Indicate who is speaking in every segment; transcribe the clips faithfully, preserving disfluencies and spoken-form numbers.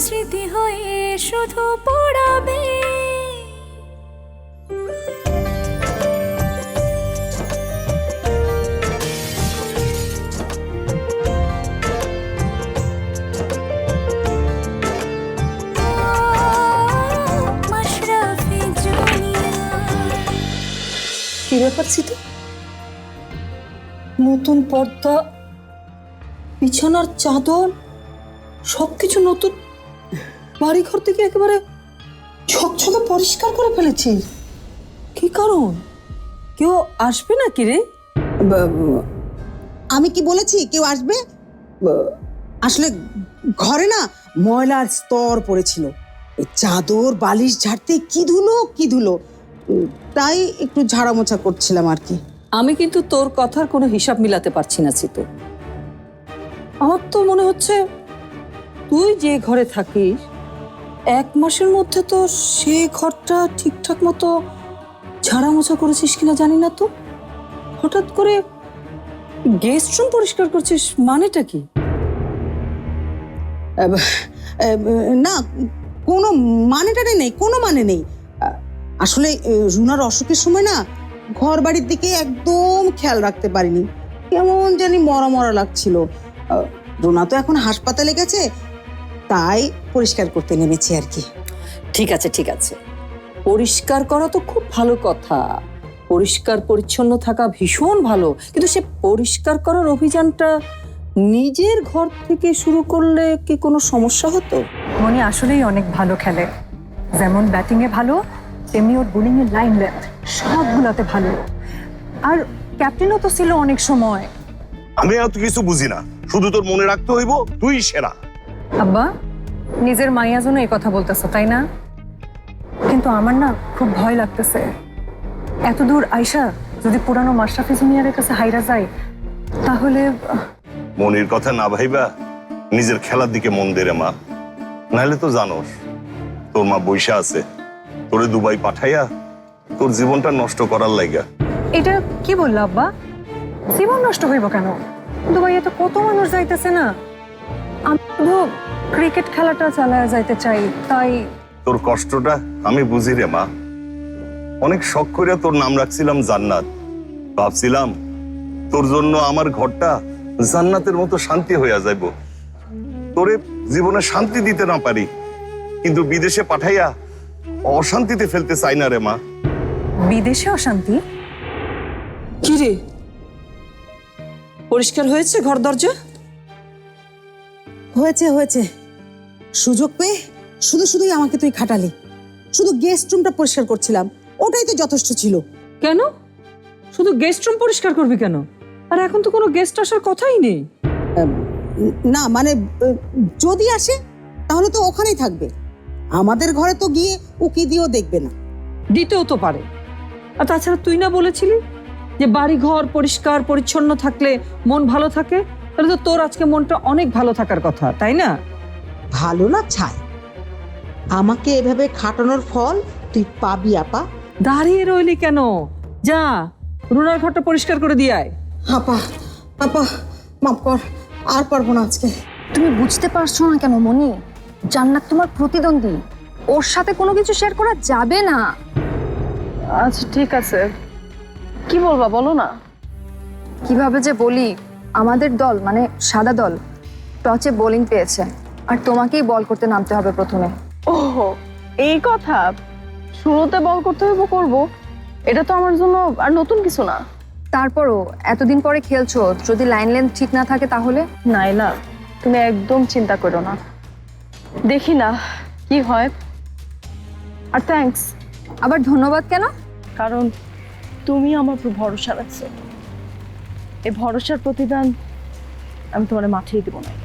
Speaker 1: স্মৃতি হয়ে শুধু পড়াবে।
Speaker 2: কি ব্যাপার তো নতুন পর্দা, বিছানার চাদর, সবকিছু নতুন। বাড়িঘর থেকে একেবারে ঝকঝকে পরিষ্কার করে ফেলেছিস। কি কারণ? কেউ আসবে না কি রে?
Speaker 3: আমি কি বলেছি কেউ আসবে? আসলে ঘরে না ময়লার স্তর পড়েছিল, চাদর বালিশ ঝাড়তে কি ধুলো কি ধুলো, তাই একটু ঝাড়া মোছা করছিলাম আর কি।
Speaker 2: আমি কিন্তু তোর কথার কোনো হিসাব মিলাতে পারছি না চিতো। আমার তো মনে হচ্ছে তুই যে ঘরে থাকিস এক মাসের মধ্যে তো সে ঘরটা ঠিকঠাক মতো ঝাড়া মোছা করেছিস কিনা জানি না। তো হঠাৎ করে গেস্ট রুম পরিষ্কার করছিস, মানেটা কি?
Speaker 3: না, কোনো মানেটারে নেই, কোনো মানে নেই। আসলে রুনার অসুখের সময় না ঘর বাড়ির দিকে একদম খেয়াল রাখতে পারিনি, কেমন জানি মরা মরা লাগছিল। রুনা তো এখন হাসপাতালে গেছে, তাই পরিষ্কার করতে নেমেছি আর কি।
Speaker 2: ঠিক আছে ঠিক আছে, পরিষ্কার করা তো খুব ভালো কথা, পরিষ্কার পরিচ্ছন্ন থাকা ভীষণ ভালো, কিন্তু সে পরিষ্কার করার অভিযানটা নিজের ঘর থেকে শুরু করলে কি কোনো সমস্যা হতো?
Speaker 4: মনি আসলেই অনেক ভালো খেলে, যেমন ব্যাটিংয়ে ভালো তেমনি ওর বোলিংয়ের লাইন লেন্থ সবগুলোতে ভালো। আর ক্যাপ্টেনও তো ছিল অনেক সময়।
Speaker 5: আমি এত কিছু বুঝি না, শুধু তোর মনে রাখতে হইব তুই সেরা।
Speaker 4: আব্বা, নিজের মাইয়া জন্য এই কথা বলতেছো তাই না? কিন্তু আমার না খুব ভয় লাগতেছে, এত দূর আইসা যদি পুরানো মাশরাফি জুনিয়রের কাছে হাইরা যায় তাহলে।
Speaker 5: মনির কথা না ভাইবা নিজের খেলার দিকে মন দে রে মা, নাহলে তো জানোস তোর মা বৈশা আছে তোরে দুবাই পাঠাইয়া তোর জীবনটা নষ্ট করার লাইগা।
Speaker 4: এটা কি বললো আব্বা? জীবন নষ্ট হইব কেন? দুবাইয়ে তো কত মানুষ যাইতেছে না। আমি শুধু ক্রিকেট খেলাটা চালায় যাইতে চাই, তাই।
Speaker 5: তোর কষ্টটা আমি বুঝি রে মা, অনেক শখ করে তোর নাম রাখছিলাম জান্নাত, ভাবছিলাম তোর জন্য আমার ঘরটা জান্নাতের মতো শান্তি হইয়া যাইব। তোরে জীবনে শান্তি দিতে না পারি, কিন্তু বিদেশে পাঠাইয়া অশান্তিতে ফেলতে চাই না রে মা।
Speaker 4: বিদেশে অশান্তি?
Speaker 2: কি রে, পরিষ্কার হয়েছে ঘর দরজা?
Speaker 3: হয়েছে হয়েছে, সুযোগ পেয়ে শুধু শুধুই আমাকে তুই খাটালি। শুধু গেস্ট রুমটা পরিষ্কার করছিলাম, ওটাই তো যথেষ্ট ছিল।
Speaker 2: কেন শুধু গেস্ট রুম পরিষ্কার করবি কেন? আর এখন তো কোনো গেস্ট আসার কথাই নেই।
Speaker 3: না মানে যদি আসে তাহলে তো ওখানেই থাকবে, আমাদের ঘরে তো গিয়ে উকি দিয়েও দেখবে না।
Speaker 2: দিতেও তো পারে। আর তাছাড়া তুই না বলেছিলি যে বাড়ি ঘর পরিষ্কার পরিচ্ছন্ন থাকলে মন ভালো থাকে? তাহলে তো তোর আজকে মনটা অনেক ভালো থাকার কথা, তাই না?
Speaker 3: ভালো না ছাই, আমাকে এভাবে খাটানোর ফল তুই পাবি আপা।
Speaker 2: দাঁড়িয়ে রইলি কেন? যা রুনার ঘরটা পরিষ্কার করে দিয়ে আয়।
Speaker 3: আপা আপা মাফ কর, আর পারবো না আজকে।
Speaker 6: তুমি বুঝতে পারছো না কেন মনি? জান্নাত তোমার প্রতিদ্বন্দ্বী, ওর সাথে কোনো কিছু শেয়ার করা যাবে না।
Speaker 7: আচ্ছা ঠিক আছে, কি বলবা বলো না।
Speaker 6: কিভাবে যে বলি, আমাদের দল মানে সাদা দল টচে বোলিং পেয়েছে, আর তোমাকেই বল করতে নামতে হবে প্রথমে।
Speaker 7: ও এই কথা, শুরুতে বল করতে হইব করব, এটা তো আমার জন্য আর নতুন কিছু না।
Speaker 6: তারপরও এতদিন পরে খেলছো, যদি লাইন লেন্থ ঠিক না থাকে তাহলে?
Speaker 7: নাইলা, তুমি একদম চিন্তা করো না, দেখি না কি হয়। আর থ্যাঙ্কস।
Speaker 6: আবার ধন্যবাদ কেন?
Speaker 7: কারণ তুমি আমার উপর ভরসা রাখছো, এই ভরসার প্রতিদান আমি তোমার মাঠেই দেবো না।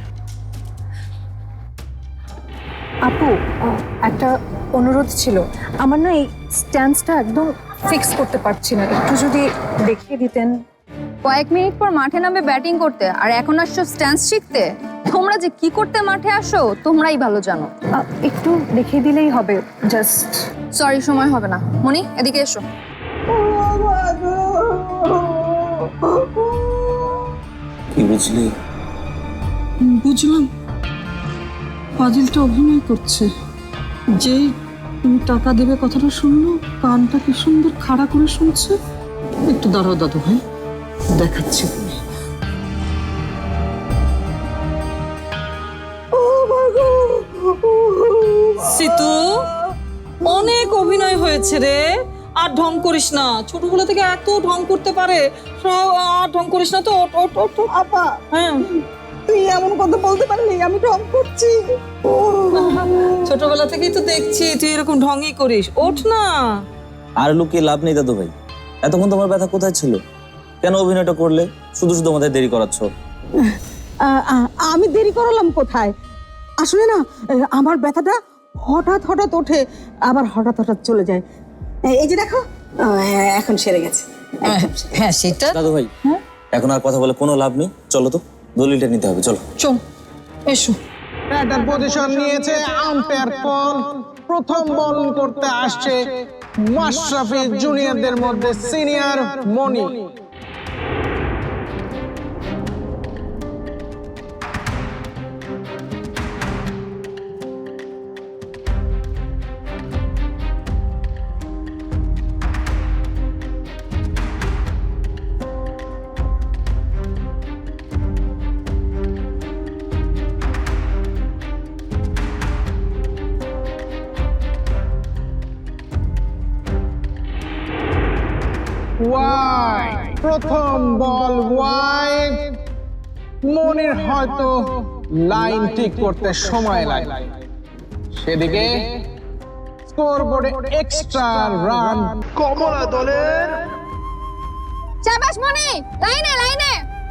Speaker 4: আপু, একটা অনুরোধ ছিল, আমার না এই স্ট্যান্ডটা একদম ফিক্স করতে পারছি না, একটু যদি দেখিয়ে দিতেন।
Speaker 6: কয়েক মিনিট পর মাঠে নামবে ব্যাটিং করতে, আর এখন আসছো স্ট্যান্স শিখতে? তোমরা যে কি করতে মাঠে আসো তোমরাই ভালো জানো।
Speaker 4: একটু দেখিয়ে দিলেই হবে, জাস্ট।
Speaker 6: সরি, সময় হবে না। মনি, এদিকে এসো।
Speaker 8: কি বুঝলি?
Speaker 2: বুঝলাম, ফাজিলটা অভিনয় করছে। যেই তুমি টাকা দেবে কথাটা শুনলো, কানটা কি সুন্দর খাড়া করে শুনছে। একটু দাঁড়াও দাদু ভাই, দেখাচ্ছি তুমি। সিতু, অনেক অভিনয় হয়েছে রে, আর ঢং করিস না। ছোটবেলা থেকে এত ঢং করতে পারে, সব আর ঢং করিস না তো। ওঠ, ওঠ, ওঠ, ওঠ।
Speaker 3: আপা,
Speaker 2: হ্যাঁ,
Speaker 3: তুই এমন কথা বলতে পারলি? আমি ঢং করছি।
Speaker 2: ছোটবেলা থেকেই তো দেখছি তুই এরকম ঢঙই করিস। ওঠ না।
Speaker 8: আর লুকিয়ে লাভ নেই দাদু ভাই, এতক্ষণ তোমার ব্যথা কোথায় ছিল? কেন অভিনয়টা করলে? শুধু শুধু আমাদের দেরি করাচ্ছ।
Speaker 3: আ- আ- আমি দেরি করালাম কোথায়? আসলে না, আমার ব্যথাটা হঠাৎ হঠাৎ ওঠে, আবার হঠাৎ হঠাৎ চলে যায়। এই- এই যে দেখো, আহ, এখন সেরে গেছে।
Speaker 2: হ্যাঁ সেটা।
Speaker 8: দাদু ভাই, এখন আর কথা বলে কোনো লাভ নেই, চলো তো দলিলটা নিতে হবে, চলো।
Speaker 2: চল, এসো।
Speaker 9: ব্যাটার পজিশন নিয়েছে আম্পায়ার পল। প্রথম বল করতে আসছে মাশরাফি জুনিয়রদের মধ্যে সিনিয়র মনি। ওয়াই, প্রথম বল ওয়াই। মনির হয়তো লাইন ঠিক করতে সময় লাগে, সেদিকে স্কোরবোর্ডে এক্সট্রা রান কমলা দলের।
Speaker 6: শাবাশ মনি, লাইনে লাইনে।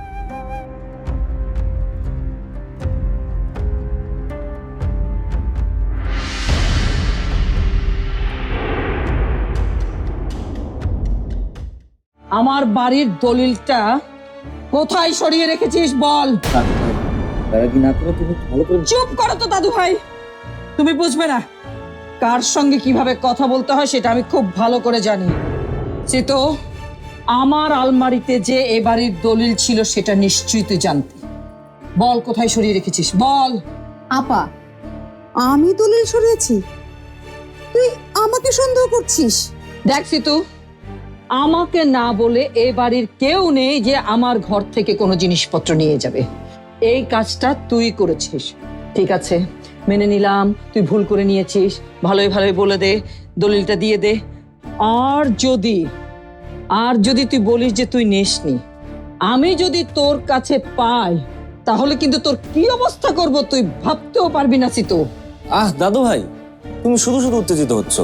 Speaker 2: আমার বাড়ির দলিলটা কোথায় সরিয়ে রেখেছিস বল।
Speaker 8: তারা কি না করে তুমি ভালো করে।
Speaker 2: চুপ করো তো দাদু ভাই, তুমি বুঝবে না কার সঙ্গে কিভাবে কথা বলতে হয় সেটা আমি খুব ভালো করে জানি। তো আমার আলমারিতে যে এ বাড়ির দলিল ছিল সেটা নিশ্চয়ই তুই জানতি। বল কোথায় সরিয়ে রেখেছিস বল।
Speaker 3: আপা, আমি দলিল সরিয়েছি? তুই আমাকে সন্দেহ করছিস?
Speaker 2: দেখ সিতু, আমাকে না বলে এ বাড়ির কেউ নেই যে আমার ঘর থেকে কোনো জিনিসপত্র নিয়ে যাবে। এই কাজটা তুই করেছিস, ঠিক আছে, মেনে নিলাম তুই ভুল করে নিয়েছিস। ভালোই ভালোই বলে দে, দলিলটা দিয়ে দে। আর যদি আর যদি তুই বলিস যে তুই নেসনি, আমি যদি তোর কাছে পাই তাহলে কিন্তু তোর কি অবস্থা করব তুই ভাবতেও পারবি না সিতু।
Speaker 8: আহ দাদু ভাই, তুমি শুধু শুধু উত্তেজিত হচ্ছ।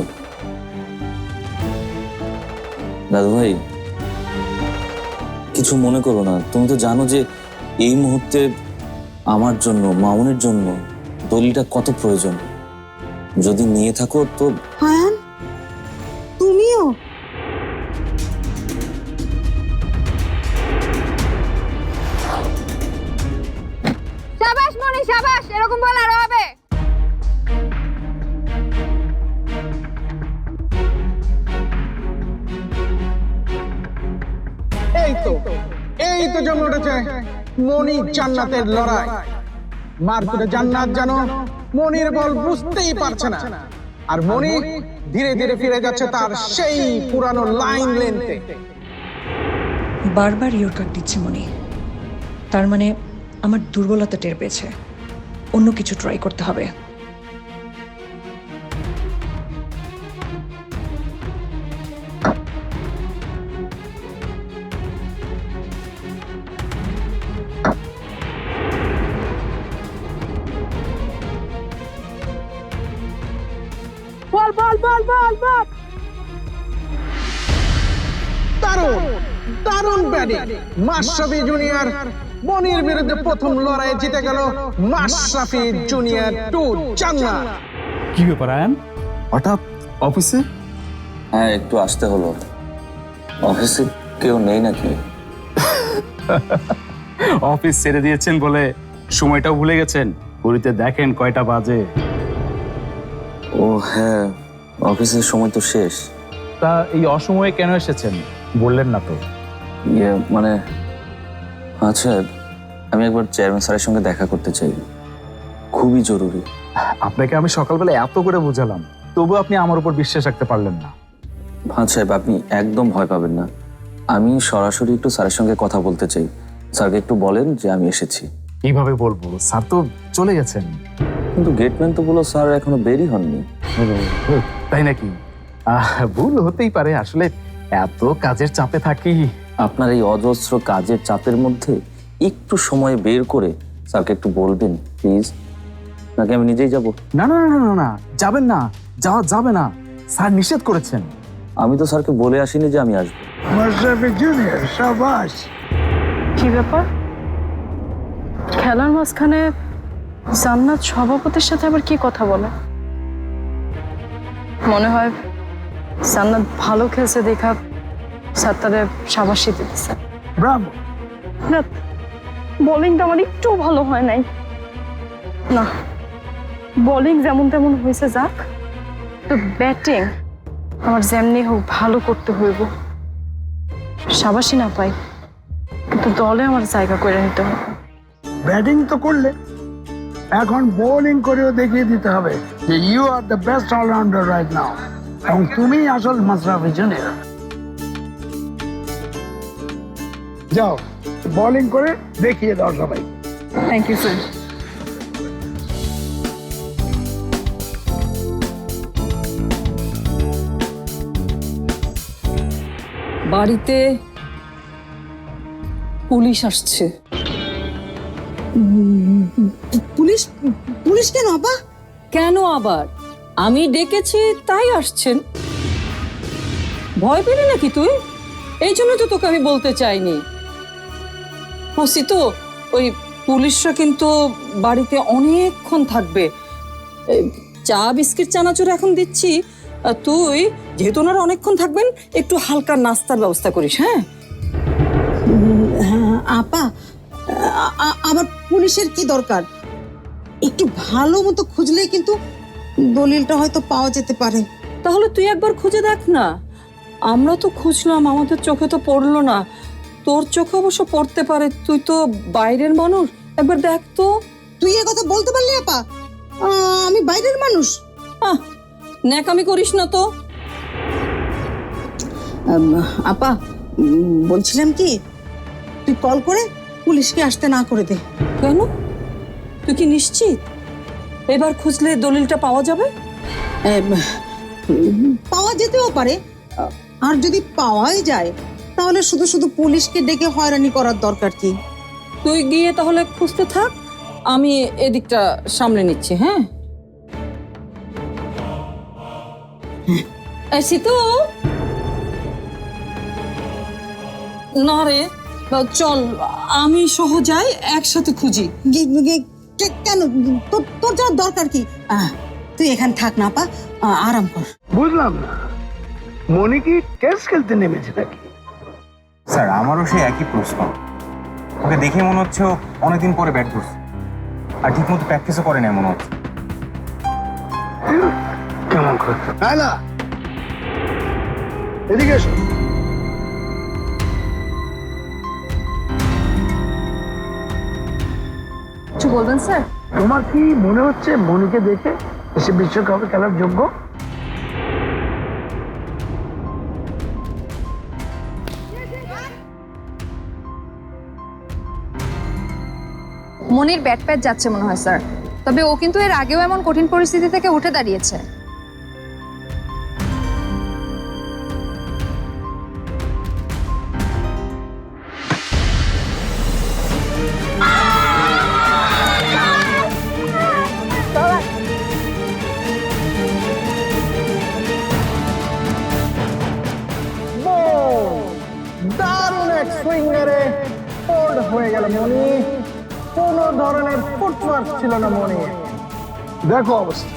Speaker 8: দাদু ভাই কিছু মনে করো না, তুমি তো জানো যে এই মুহূর্তে আমার জন্য, মামুনের জন্য দলিলটা কত প্রয়োজন। যদি নিয়ে থাকো তো।
Speaker 3: হায়ান, তুমিও?
Speaker 6: শাবাশ মনি, শাবাশ, এরকম বল আরো হবে।
Speaker 9: এই তো এই তো জমে উঠেছে মনি জান্নাতের লড়াই। মারকুটে জান্নাত জানো মনির বল বুঝতেই পারছে না, আর মনি ধীরে ধীরে ফিরে যাচ্ছে তার সেই পুরানো লাইন লেন্থে।
Speaker 10: বারবার ইয়োর কাট দিচ্ছে মনি, তার মানে আমার দুর্বলতা টের পেয়েছে। অন্য কিছু ট্রাই করতে হবে।
Speaker 9: বল বল বল বল বল। দারুণ দারুণ ব্যাটিং মাশরাফি জুনিয়র। মনির বিরুদ্ধে প্রথম লড়াইয়ে জিতে গেল মাশরাফি জুনিয়র টু জান্নাত।
Speaker 11: কি ব্যাপার আয়ান, হঠাৎ অফিসে?
Speaker 8: হ্যাঁ একটু আসতে হলো। অফিসে কেউ নেই নাকি?
Speaker 11: অফিস ছেড়ে দিয়েছেন বলে সময়টাও ভুলে গেছেন? ঘড়িতে দেখেন কয়টা বাজে।
Speaker 8: ও হ্যাঁ, অফিসের সময় তো শেষ।
Speaker 11: তা এই অসময়ে কেন এসেছেন বললেন না তো?
Speaker 8: ইয়ে মানে, আচ্ছা আমি একবার চেয়ারম্যান স্যারের সঙ্গে দেখা করতে চাই, খুবই জরুরি।
Speaker 11: আপনাকে আমি সকালবেলা এত করে বোঝালাম, তবু আপনি আমার উপর বিশ্বাস রাখতে পারলেন না।
Speaker 8: ভাঁজ সাহেব, আপনি একদম ভয় পাবেন না। আমি সরাসরি একটু স্যারের সঙ্গে কথা বলতে চাই। স্যারকে একটু বলেন যে আমি এসেছি।
Speaker 11: কিভাবে বলবো, স্যার তো চলে গেছেন।
Speaker 8: কিন্তু গেটম্যান তো বললো স্যার এখনো বেরই হননি।
Speaker 11: তাই নাকি? আহ, ভুল হতেই পারে, আসলে এত কাজের চাপে থাকি।
Speaker 8: আপনার এই অজস্র কাজের চাপের মধ্যে একটু সময় বের করে স্যারকে একটু বলবেন প্লিজ, নাকি আমি নিজেই যাব?
Speaker 11: না না না না না, যাবেন না, যাওয়া যাবে না, স্যার নিষেধ করেছেন।
Speaker 8: আমি তো স্যারকে বলে আসিনি যে আমি আসবো।
Speaker 7: কি ব্যাপার, খেলার মাঝখানে জান্নাত সভাপতির সাথে আবার কি কথা বলে? মনে হয় জান্নাত ভালো খেলছে দেখা স্যার তাদের সাবাসী দিতেছে।
Speaker 9: ব্রাভো।
Speaker 7: না, বোলিংটা আমার একটু ভালো হয় নাই। না, বোলিং যেমন তেমন হয়েছে যাক, তো ব্যাটিং আমার যেমনি হোক ভালো করতে হইব। সাবাসী না পাই, কিন্তু দলে আমার জায়গা করে নিতে হবে।
Speaker 9: ব্যাটিং তো করলে, এখন বোলিং করেও দেখিয়ে দিতে হবে যে you are the best all rounder right now, এবং তুমি আসল মাশরাফি জুনিয়র। যাও বোলিং করে দেখিয়ে দাও সবাই।
Speaker 7: Thank you sir.
Speaker 2: বাড়িতে পুলিশ আসছে।
Speaker 3: পুলিশ? পুলিশ কেন আপা?
Speaker 2: কেন আবার? আমি ডেকেছি তাই আসছেন। ভয় পেলি নাকি তুই? এই জন্য তো তোকে আমি বলতে চাইনি। হসি তো, ওই পুলিশরা কিন্তু বাড়িতে অনেকক্ষণ থাকবে। এই চা বিস্কিট চানাচুর এখন দিচ্ছি, আর তুই যেহেতু ওনারা অনেকক্ষণ থাকবেন একটু হালকা নাস্তার ব্যবস্থা করিস। হ্যাঁ
Speaker 3: হ্যাঁ, আপা, আ- আ- আবার পুলিশের কি দরকার? একটু ভালো মতো খুঁজলেই কিন্তু দলিলটা হয়তো পাওয়া যেতে পারে।
Speaker 2: তাহলে তুই একবার খুঁজে দেখ না। আমরা তো খুঁজলাম, আমাদের চোখে তো পড়লো না। তোর চোখে অবশ্য পড়তে পারে, তুই তো বাইরের মানুষ, একবার দেখ তো।
Speaker 3: তুই এ কথা বলতে পারলি আপা? আ, আমি বাইরের মানুষ।
Speaker 2: আহ, ন্যাকামি করিস না তো।
Speaker 3: আম, আপা, উম, বলছিলাম কি, তুই কল করে পুলিশকে আসতে না করে দে।
Speaker 2: কেন? তুই কি নিশ্চিত এবার খুঁজলে দলিলটা পাওয়া যাবে?
Speaker 3: এম, উম, পাওয়া যেতেও পারে, আর যদি পাওয়াই যায় তাহলে শুধু শুধু পুলিশকে ডেকে হয়রানি করার দরকার কি?
Speaker 2: তুই গিয়ে তাহলে খুঁজতে থাক, আমি এদিকটা সামলে নিচ্ছি। হ্যাঁ এই সিতু, না রে, চল আমি সহ যাই, একসাথে খুঁজি।
Speaker 3: গে- গে- কে- কেন? তোর তোর যাওয়ার দরকার কি? আহ, তুই এখানে থাক না আপা, আ- আরাম কর।
Speaker 9: বুঝলাম না, মনি কি টেস্ট খেলতে নেমেছে নাকি?
Speaker 12: স্যার, আমারও সেই একই প্রশ্ন। ওকে দেখে মনে হচ্ছে ও অনেকদিন পরে ব্যাট করছে, আর ঠিক মতো প্র্যাকটিসও করে না মনে হচ্ছে।
Speaker 9: কেমন করতো? না, এদিকে এসো।
Speaker 6: কিছু বলবেন স্যার?
Speaker 9: তোমার কি মনে হচ্ছে মনিকে দেখে এসে বিশ্বকাপে খেলার যোগ্য?
Speaker 6: মনির ব্যাট প্যাট যাচ্ছে মনে হয় স্যার, তবে ও কিন্তু এর আগেও এমন কঠিন পরিস্থিতি থেকে উঠে দাঁড়িয়েছে।
Speaker 9: দারুণ এক সুইং মেরে ফোল্ড হয়ে গেল মনি। কোনো ধরনের ফুটওয়ার্ক ছিল না মনি। দেখো অবস্থা।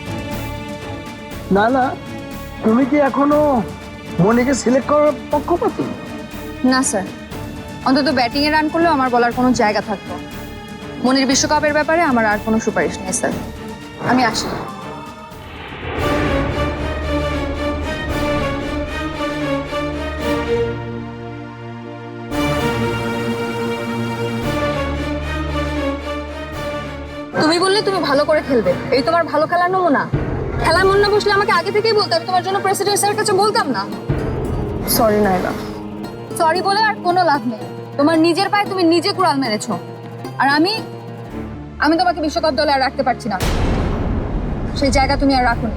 Speaker 9: না না, তুমি কি এখনো মনিকে সিলেক্ট করার পক্ষপাতী?
Speaker 6: না স্যার, অন্তত ব্যাটিং এ রান করলেও আমার বলার কোনো জায়গা থাকতো। মনির বিশ্বকাপের ব্যাপারে আমার আর কোনো সুপারিশ নেই স্যার, আমি আসি। তুমি বললে তুমি ভালো করে খেলবে, এই তোমার ভালো খেলার নমুনা। খেলায় মন না বসলে আমাকে আগে থেকেই বলতে, আমি তোমার জন্য প্রেসিডেন্ট স্যারের কাছে বলতাম না।
Speaker 7: সরি নাইলা।
Speaker 6: সরি বলে আর কোনো লাভ নেই, তোমার নিজের পায়ে তুমি নিজে কুড়াল মেরেছো। আর আমি আমি তোমাকে বিশ্বকাপ দলে আর রাখতে পারছি না, সেই জায়গা তুমি আর রাখোনি।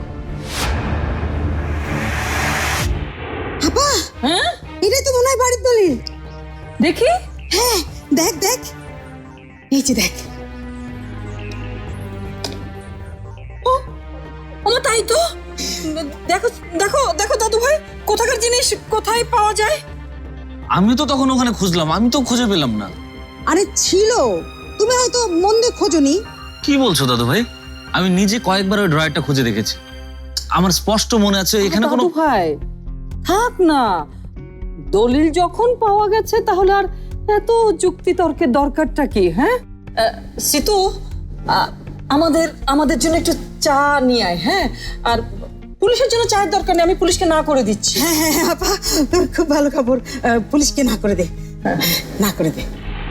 Speaker 3: আপা,
Speaker 2: হ্যাঁ
Speaker 3: এটাই তো মনে হয় বাড়ির দলিল।
Speaker 2: দেখি।
Speaker 3: হ্যাঁ, দেখ দেখ, এই যে দেখ।
Speaker 2: আমার তাই তো। দেখো দেখো দেখো দাদু ভাই, কোথাকার জিনিস কোথায় পাওয়া যায়?
Speaker 8: আমি তো তখন ওখানে খুঁজলাম, আমি তো খুঁজে পেলাম না।
Speaker 3: আরে ছিল, তুমি হয়তো মন দিয়ে খোঁজনি।
Speaker 8: কি বলছো দাদু ভাই? আমি নিজে কয়েকবার ওই ড্রয়ারটা খুঁজে দেখেছি, আমার স্পষ্ট মনে আছে এখানে কোনো।
Speaker 2: দাদু ভাই থাক না, দলিল যখন পাওয়া গেছে তাহলে আর এত যুক্তি তর্কের দরকারটা কি? হ্যাঁ সিতু, আ- আমাদের আমাদের জন্য একটু চা নিয়ে আয়। হ্যাঁ, আর পুলিশের জন্য চায়ের দরকার নেই, আমি পুলিশকে না করে দিচ্ছি।
Speaker 3: হ্যাঁ হ্যাঁ হ্যাঁ, আপা তোর খুব ভালো খবর, আহ, পুলিশকে না করে দে, না করে দে।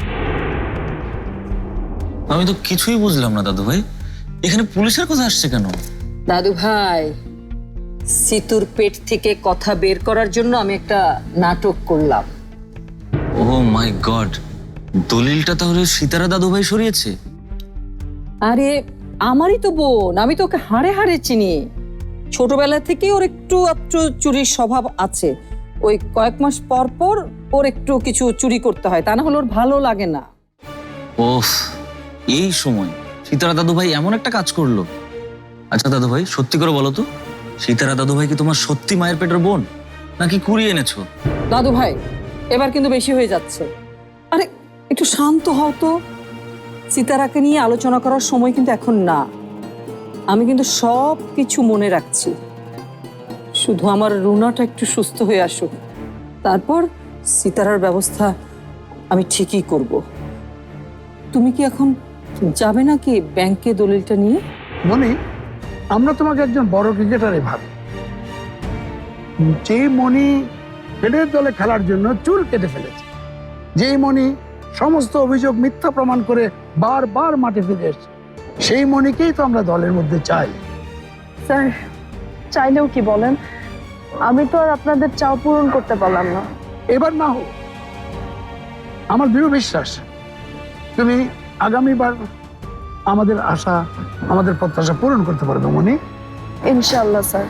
Speaker 8: আমি তো কিছুই বুঝলাম না দাদু ভাই, এখানে পুলিশের কথা আসছে কেন?
Speaker 2: দাদু ভাই, সিতুর পেট থেকে কথা বের করার জন্য আমি একটা নাটক করলাম।
Speaker 8: ও মাই গড, দলিলটা তাহলে সীতারা দাদু ভাই সরিয়েছে?
Speaker 2: আরে আমারই তো বোন, আমি তো ওকে হাড়ে হাড়ে চিনি। ছোটবেলা থেকে ওর একটু একটু চুরির স্বভাব আছে। ওই কয়েক মাস পর পর ওর একটু কিছু চুরি করতে হয়, তা না হলে ওর ভালো লাগে না।
Speaker 8: ওফ, এই সময় সীতারা দাদু ভাই এমন একটা কাজ করলো। আচ্ছা দাদু ভাই, সত্যি করে বলো তো, সীতারা দাদু ভাই কি তোমার সত্যি মায়ের পেটের বোন, নাকি কুড়িয়ে এনেছো?
Speaker 2: দাদু ভাই এবার কিন্তু বেশি হয়ে যাচ্ছে। আরে একটু শান্ত হও তো। সীতারাকে নিয়ে আলোচনা করার সময় কিন্তু এখন না। আমি কিন্তু সব কিছু মনে রাখছি, শুধু আমার রুনাটা একটু সুস্থ হয়ে আসুক, তারপর সীতারার ব্যবস্থা আমি ঠিকই করব। তুমি কি এখন যাবে নাকি ব্যাংকে দলিলটা নিয়ে?
Speaker 13: মনি, আমরা তোমাকে একজন বড় ক্রিকেটারে ভাবি, যে মনি ফেডের দলে খেলার জন্য চুল কেটে ফেলেছে, যেই মনি সমস্ত অভিযোগ মিথ্যা প্রমাণ করে বারবার মাঠে ফিরে এসেছে, সেই মনিকেই তো আমরা দলের মধ্যে চাই।
Speaker 7: স্যার, চাইলেও কি বলেন, আমি তো আর আপনাদের চাও পূরণ করতে পারলাম না।
Speaker 13: এবার না হোক, আমার দৃঢ় বিশ্বাস তুমি আগামীবার আমাদের আশা, আমাদের প্রত্যাশা পূরণ করতে পারবে মনি।
Speaker 7: ইনশাআল্লাহ স্যার,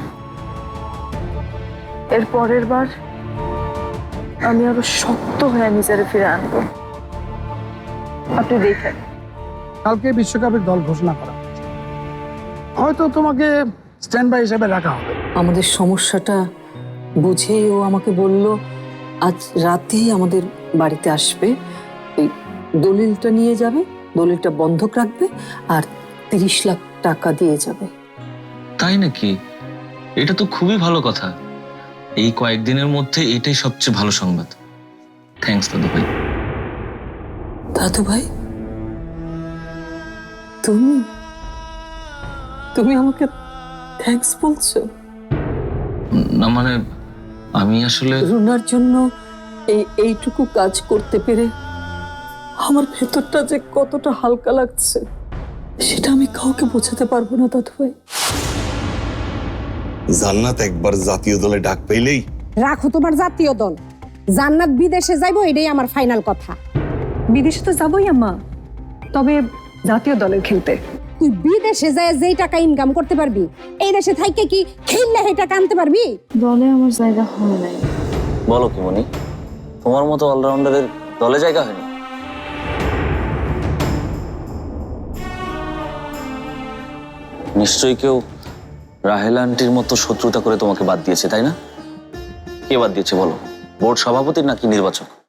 Speaker 7: এর পরের বার আমি আরো শক্ত হয়ে নিজের ফিরে আনবো, আপনি দেখেন।
Speaker 13: কালকে বিশ্বকাপের দল ঘোষণা করা হয়েছে, হয়তো তোমাকে স্ট্যান্ড বাই হিসেবে রাখা হবে।
Speaker 2: আমাদের সমস্যাটা বুঝেই ও আমাকে বলল আজ রাতেই আমাদের বাড়িতে আসবে, এই দলিলটা নিয়ে যাবে, দলিলটা বন্ধক রাখবে আর তিরিশ লাখ টাকা দিয়ে যাবে।
Speaker 8: তাই নাকি? এটা তো খুবই ভালো কথা। এই কয়েকদিনের মধ্যে এটাই সবচেয়ে ভালো সংবাদ। থ্যাঙ্কস দাদু ভাই।
Speaker 2: দাদু ভাই, তুমি তুমি আমাকে থ্যাঙ্কস বলছো?
Speaker 8: না মানে আমি আসলে
Speaker 2: রুনার জন্য এই এইটুকু কাজ করতে পেরে আমার ভেতরটা যে কতটা হালকা লাগছে সেটা আমি কাউকে বোঝাতে পারবো না দাদু ভাই।
Speaker 5: জান্নাত একবার জাতীয় দলে ডাক পেলেই।
Speaker 14: রাখো তোমার জাতীয় দল, জান্নাত বিদেশে যাইবো, এটাই আমার ফাইনাল কথা।
Speaker 4: বিদেশে তো যাবোই আম্মা, তবে জাতীয় দলের খেলতে।
Speaker 14: তুই বিদেশে যায় যেই টাকা ইনকাম করতে পারবি, এই দেশে থাইকে কি খেললে সেই টাকা আনতে পারবি?
Speaker 7: দলে আমার জায়গা হয় নাই।
Speaker 8: বলো কি মনি, তোমার মতো অলরাউন্ডারের দলে জায়গা হয়নি? নিশ্চয়ই কেউ রাহেলা আন্টির মতো শত্রুতা করে তোমাকে বাদ দিয়েছে, তাই না? কে বাদ দিয়েছে বলো? বোর্ড সভাপতি নাকি নির্বাচক?